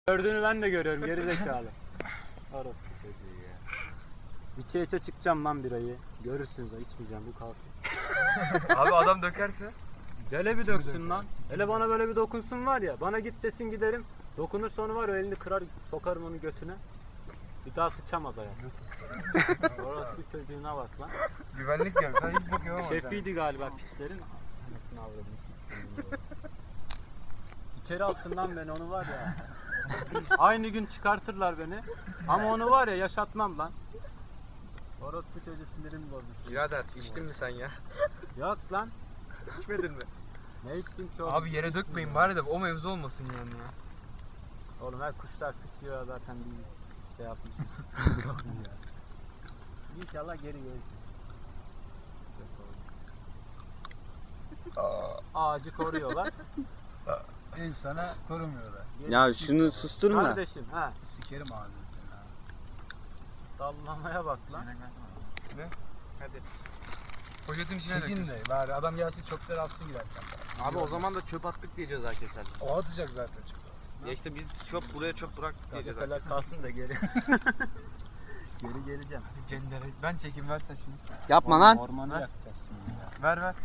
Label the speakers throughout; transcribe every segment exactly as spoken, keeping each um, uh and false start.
Speaker 1: Gördüğünü ben de görüyorum geri zekalı. Orası çocuğu ya. İçe içe çıkacağım lan birayı. Görürsünüz ha, içmeyeceğim, bu kalsın.
Speaker 2: Abi adam dökerse?
Speaker 1: Hele bir döksün lan. Hele bana böyle bir dokunsun var ya. Bana git desin giderim. Dokunur sonra var ya, elini kırar sokarım onun götüne. Bir daha sıçamaz ayağa. Orası çocuğuna bak lan.
Speaker 2: Güvenlik ya. Sen hiç bakıyor ama.
Speaker 1: Şefiydi galiba piçlerin. Anasını avradım. İçeri alsın lan beni, onu var ya. Aynı gün çıkartırlar beni. Ama onu var ya, yaşatmam lan. Orospu çocuğu sinirimi bozmuş.
Speaker 2: Birader içtin mi sen ya?
Speaker 1: Yok lan.
Speaker 2: İçmedin mi?
Speaker 1: Ne içtin ki oğlum?
Speaker 2: Abi yere dökmeyin bari de o mevzu olmasın yani ya.
Speaker 1: Oğlum her kuşlar sıçıyor zaten, bir şey yapmış. İnşallah geri gelir. Ağacı koruyorlar.
Speaker 3: İnsana korumuyorlar.
Speaker 4: Ya şunu susturun da.
Speaker 1: Kardeşim ha.
Speaker 3: Sikerim ağzını seni ha.
Speaker 1: Dallamaya bak lan.
Speaker 2: Ne? Hadi. Poşetin içine
Speaker 3: Çekin
Speaker 2: dökün.
Speaker 3: de bari adam gelsin çöpleri atsın girerken.
Speaker 2: Abi o zaman da çöp attık diye ceza keser.
Speaker 3: O atacak zaten çöpü.
Speaker 2: Ya işte biz çöp buraya çöp bıraktık diye ceza.
Speaker 1: Gazeteler kalsın da geri. Geri geleceğim.
Speaker 2: Cendere. Ben çekim versen şunu.
Speaker 4: Yapma lan.
Speaker 1: Ormanı
Speaker 2: Ver.
Speaker 1: yakacağız şimdi ya.
Speaker 2: Ver ver.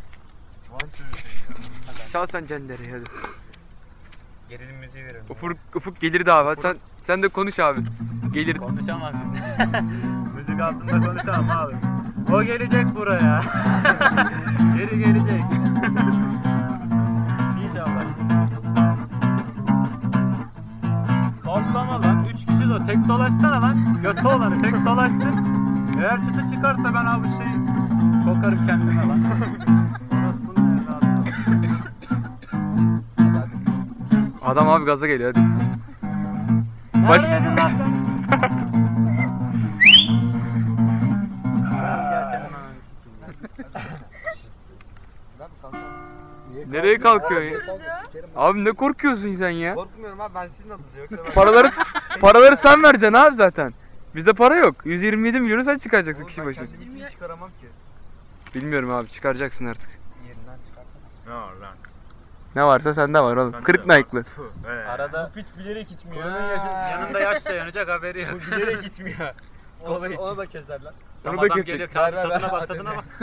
Speaker 2: Çal sen Cendere'yi hadi. Gerilim müziği verelim. Ufuk, Ufuk gelir de abi. Sen sen de konuş abi. Gelir.
Speaker 1: Konuşamaz. Müzik altında konuşamam abi. O gelecek buraya. Geri gelecek. İnşallah. Sallama lan. Üç kişi de tek dolaşsana lan. Götü olanı tek dolaşsın. Eğer çıtı çıkarsa ben abi şey sokarım kendime lan. Orospunun evladı.
Speaker 2: Adam abi gaza geliyor hadi.
Speaker 1: Baş... Neredeydin lan sen? Gel senin ananı sikeyim.
Speaker 2: Nereye kalkıyorsun ya? Abi ne korkuyorsun sen ya?
Speaker 3: Korkmuyorum abi, ben sizin adınıza yoksa ben...
Speaker 2: Paraları paraları sen vereceksin abi zaten. Bizde para yok. yüz yirmi yedi milyonu sen çıkaracaksın kişi başı.
Speaker 3: kendimi hiç çıkaramam ki.
Speaker 2: Bilmiyorum abi, çıkaracaksın artık.
Speaker 3: Yerinden çıkartamam.
Speaker 5: Ne lan?
Speaker 2: Ne varsa sende var oğlum.
Speaker 5: Bende
Speaker 2: Kırık
Speaker 5: de var.
Speaker 2: Nike'lı.
Speaker 5: He.
Speaker 1: Arada
Speaker 3: Bu piç bilerek içmiyor.
Speaker 1: bunun yaşı, yanında yaş da yanacak, haberi yok.
Speaker 3: Bu bilerek içmiyor.
Speaker 2: Kola
Speaker 3: Onu,
Speaker 2: için.
Speaker 3: onu da keserler.
Speaker 1: Tam
Speaker 2: Onu da
Speaker 1: adam
Speaker 2: kesecek.
Speaker 1: geliyor, kağıt
Speaker 3: Ver, ver,
Speaker 1: tadına
Speaker 3: ver,
Speaker 1: bak,
Speaker 3: at
Speaker 1: tadına
Speaker 3: eline.
Speaker 1: bak.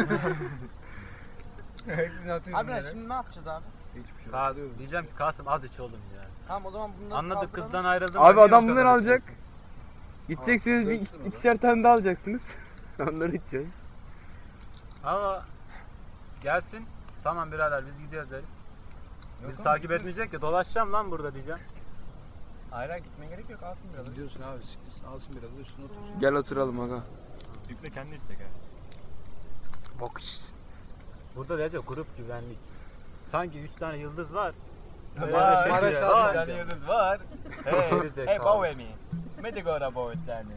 Speaker 3: Hepsini atıyorsun. Abi şimdi ne yapacağız abi?
Speaker 2: Hiçbir şey.
Speaker 1: Abi diyeceğim ki Kasım az iç oğlum ya.
Speaker 3: Tamam o zaman bunları
Speaker 1: Anladık,
Speaker 3: kaldıralım.
Speaker 1: kızdan ayrıldım.
Speaker 2: Abi
Speaker 1: da niye
Speaker 2: adam
Speaker 1: bu
Speaker 2: bunları
Speaker 1: kadar
Speaker 2: alacak.
Speaker 1: içiyorsun?
Speaker 2: Gideceksiniz bir
Speaker 3: döksün o
Speaker 2: ikişer tane daha alacaksınız. Onları içeceğiz.
Speaker 1: Ama gelsin. Tamam birader biz gidiyoruz deriz.
Speaker 3: Yok
Speaker 1: Bizi
Speaker 3: oğlum,
Speaker 1: takip
Speaker 3: gidiyoruz.
Speaker 1: etmeyecek ya, dolaşacağım lan burada diyeceğim.
Speaker 3: Hayır hayır gitmeye gerek yok, alsın biraz. Gidiyorsun abi, alsın biraz da üstüne otur.
Speaker 2: Gel oturalım aga.
Speaker 5: Yükle kendi içecek ha.
Speaker 2: Bok içsin.
Speaker 1: Burada diyecek grup güvenlik. Sanki üç tane yıldız var. Böyle
Speaker 3: Var,
Speaker 1: şey
Speaker 3: var
Speaker 1: diyor,
Speaker 3: aşağıda
Speaker 1: var.
Speaker 3: bir tane yıldız var.
Speaker 1: Hey,
Speaker 3: Hey,
Speaker 1: zekalı.
Speaker 3: hey, bow me. Mete gora bow it tane.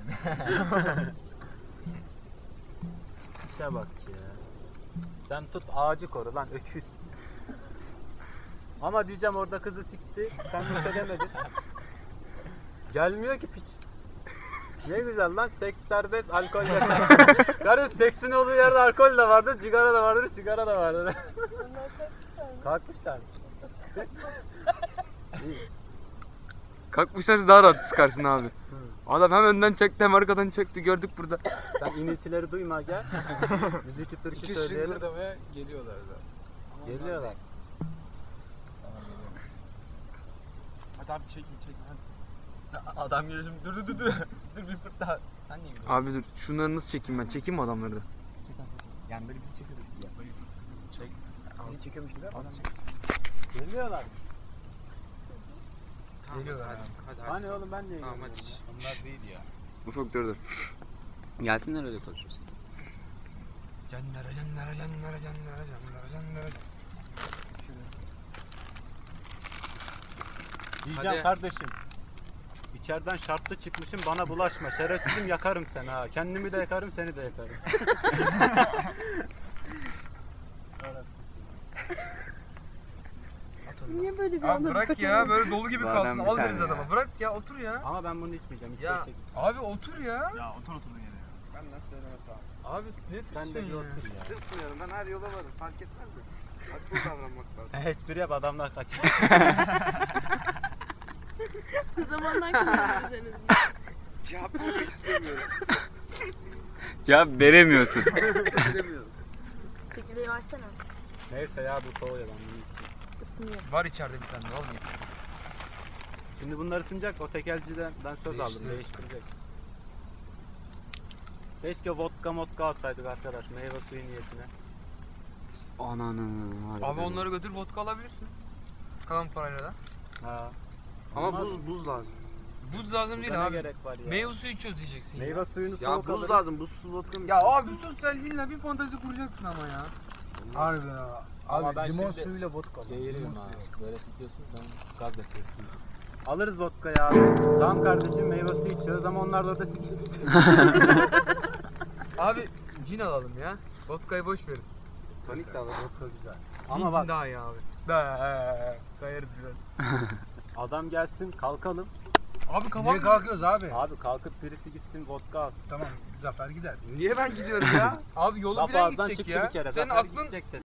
Speaker 1: İşe bak ya. Sen tut ağacı koru lan öküz. Ama diyeceğim orada kızı sikti. Sen bir şey demedin. Gelmiyor ki piç. Ne güzel lan, seks serbest, alkol yasak. Karı seksin olduğu yerde alkol de vardır, sigara da vardır, sigara da vardır. Kalkmışlar mı? İyi.
Speaker 2: Kalkmışlar daha rahat sıkarsın abi. Adam hem önden çekti hem arkadan çekti, gördük burada.
Speaker 1: Sen iniltileri duyma gel. Biz iki türkü
Speaker 3: İki
Speaker 1: söyleyelim.
Speaker 3: şıngırdamaya geliyorlar zaten.
Speaker 1: Geliyorlar.
Speaker 3: Tamam geliyorum.
Speaker 5: Hadi abi çekin çekin hadi.
Speaker 3: Adam geliyor şimdi, dur dur dur dur. Dur bir fırt daha. Sen niye gidiyorsun?
Speaker 2: Abi dur, şunları nasıl çekeyim ben? Çekeyim mi adamları da?
Speaker 5: Yani böyle bizi çekiyoruz gibi yap.
Speaker 3: Çek. Bizi çekiyormuş gibi yapma.
Speaker 1: Geliyorlar.
Speaker 3: Geliyorlar
Speaker 2: hadi,
Speaker 3: abi.
Speaker 2: hadi,
Speaker 1: Hani oğlum ben niye
Speaker 2: Tamam,
Speaker 1: geliyorum
Speaker 2: hadi.
Speaker 1: ya? Onlar değil ya.
Speaker 2: Ufuk dur dur.
Speaker 4: Gelsinler öyle konuşuruz.
Speaker 2: Canlara canlara canlara canlara canlara canlara.
Speaker 1: Diyeceğim
Speaker 2: Hadi.
Speaker 1: kardeşim. İçeriden şartlı çıkmışım, bana bulaşma. Şerefsizim, yakarım seni ha. Kendimi de yakarım, seni de yakarım.
Speaker 6: Niye böyle bir
Speaker 2: Abi
Speaker 6: anda
Speaker 2: bırak
Speaker 6: dikkat
Speaker 2: ya,
Speaker 6: ediyorsun?
Speaker 2: böyle dolu gibi
Speaker 4: Bu
Speaker 2: kalsın.
Speaker 4: adam bir
Speaker 2: Al
Speaker 4: tane
Speaker 2: deriz
Speaker 4: ya.
Speaker 2: adama. Bırak ya, otur ya.
Speaker 1: Ama ben bunu içmeyeceğim. Hiç
Speaker 2: Ya
Speaker 1: ya. Git.
Speaker 2: abi otur ya.
Speaker 5: Ya otur oturduğun yere ya.
Speaker 3: Benden söyleme tamam.
Speaker 2: Abi ne
Speaker 1: Sen de bir
Speaker 2: tırsın
Speaker 1: otur ya.
Speaker 2: Tırsmıyorum, ben her yola varım, fark etmez mi? Haklı davranmak lazım.
Speaker 1: Espri yap, adamlar kaçar.
Speaker 6: Zamandan kazandınız en azından.
Speaker 2: Cevap vermek istemiyorum.
Speaker 4: Cevap veremiyorsun.
Speaker 2: İstemiyorum.
Speaker 6: Çekirdeği versene.
Speaker 1: Neyse ya bu soğuyor ben bunu içeyim.
Speaker 6: Isınıyor.
Speaker 2: Var içeride bir tane olmuyor.
Speaker 1: Şimdi bunlar ısınacak, o tekelciden ben söz aldım,
Speaker 2: Değiştir.
Speaker 1: değiştirecek. Keşke vodka modka alsaydık arkadaş, meyve suyu niyetine.
Speaker 4: Ananı.
Speaker 2: Abi
Speaker 4: harbiden.
Speaker 2: onları götür vodka alabilirsin. Kalan parayla da.
Speaker 1: Ha.
Speaker 2: Ama
Speaker 1: Olmaz
Speaker 2: buz
Speaker 1: mı?
Speaker 2: buz lazım. Buz lazım
Speaker 1: Burada
Speaker 2: değil
Speaker 1: ne
Speaker 2: abi.
Speaker 1: gerek var ya?
Speaker 2: Meyve suyu içiyoruz diyeceksin ya.
Speaker 1: Meyve suyunu
Speaker 2: Ya
Speaker 1: soğuk
Speaker 2: buz
Speaker 1: alırız.
Speaker 2: lazım. Buzsuz vodka mı? Ya abi sus sen illa bir fantezi kuracaksın ama ya.
Speaker 3: Harbi ya.
Speaker 1: Ama
Speaker 3: Abi
Speaker 1: ben
Speaker 3: limon
Speaker 1: şimdi
Speaker 3: suyuyla vodka.
Speaker 1: Geğiririm
Speaker 3: Limon
Speaker 1: ha.
Speaker 3: suyu.
Speaker 1: Böyle tutuyorsun sen gaz yapıyorsun. Alırız vodkayı abi. Tamam kardeşim meyve suyu içiyoruz ama onlar da orada sikişir.
Speaker 2: Abi cin alalım ya. Vodkayı boş verin.
Speaker 1: Tonik de alırız.
Speaker 3: Vodka güzel.
Speaker 2: Cin,
Speaker 1: Ama
Speaker 2: cin
Speaker 1: bak
Speaker 2: daha iyi abi. Da kayarız biraz.
Speaker 1: adam gelsin kalkalım.
Speaker 2: Abi kafam
Speaker 3: Niye kalkıyoruz abi?
Speaker 1: Abi kalkıp birisi gitsin vodka alsın.
Speaker 3: Tamam Zafer gider.
Speaker 2: Niye ben gidiyorum ya? Abi yolu
Speaker 1: Laf
Speaker 2: bilen
Speaker 1: ağızdan
Speaker 2: gidecek
Speaker 1: çıktı
Speaker 2: ya.
Speaker 1: bir kere.
Speaker 2: Senin
Speaker 1: Zafer
Speaker 2: aklın
Speaker 1: gidecek de.